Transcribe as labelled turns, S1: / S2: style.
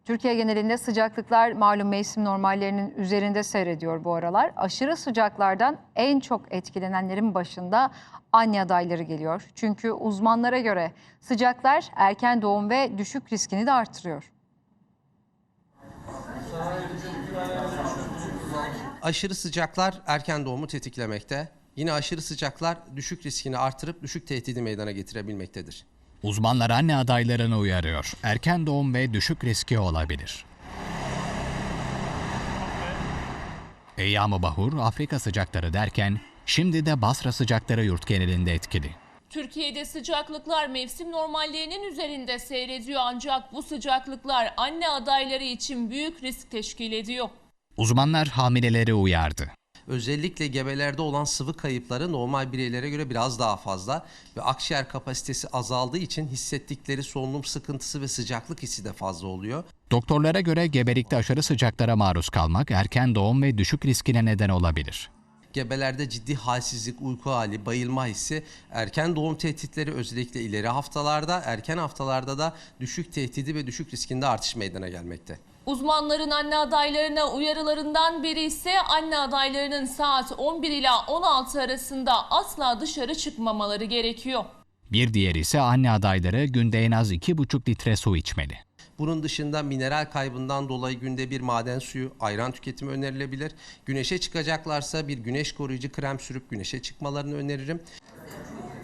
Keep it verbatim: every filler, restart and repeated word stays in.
S1: Türkiye genelinde sıcaklıklar malum mevsim normallerinin üzerinde seyrediyor bu aralar. Aşırı sıcaklardan en çok etkilenenlerin başında anne adayları geliyor. Çünkü uzmanlara göre sıcaklar erken doğum ve düşük riskini de artırıyor.
S2: Aşırı sıcaklar erken doğumu tetiklemekte. Yine aşırı sıcaklar düşük riskini artırıp düşük tehdidi meydana getirebilmektedir.
S3: Uzmanlar anne adaylarını uyarıyor. Erken doğum ve düşük riski olabilir. Eyyam-ı Bahur, Afrika sıcakları derken şimdi de Basra sıcakları yurt genelinde etkili.
S4: Türkiye'de sıcaklıklar mevsim normallerinin üzerinde seyrediyor ancak bu sıcaklıklar anne adayları için büyük risk teşkil ediyor.
S3: Uzmanlar hamileleri uyardı.
S2: Özellikle gebelerde olan sıvı kayıpları normal bireylere göre biraz daha fazla ve akciğer kapasitesi azaldığı için hissettikleri solunum sıkıntısı ve sıcaklık hissi de fazla oluyor.
S3: Doktorlara göre gebelikte aşırı sıcaklara maruz kalmak erken doğum ve düşük riskine neden olabilir.
S2: Gebelerde ciddi halsizlik, uyku hali, bayılma hissi, erken doğum tehditleri özellikle ileri haftalarda, erken haftalarda da düşük tehdidi ve düşük riskinde artış meydana gelmekte.
S4: Uzmanların anne adaylarına uyarılarından biri ise anne adaylarının saat on bir ila on altı arasında asla dışarı çıkmamaları gerekiyor.
S3: Bir diğeri ise anne adayları günde en az iki buçuk litre su içmeli.
S2: Bunun dışında mineral kaybından dolayı günde bir maden suyu, ayran tüketimi önerilebilir. Güneşe çıkacaklarsa bir güneş koruyucu krem sürüp güneşe çıkmalarını öneririm.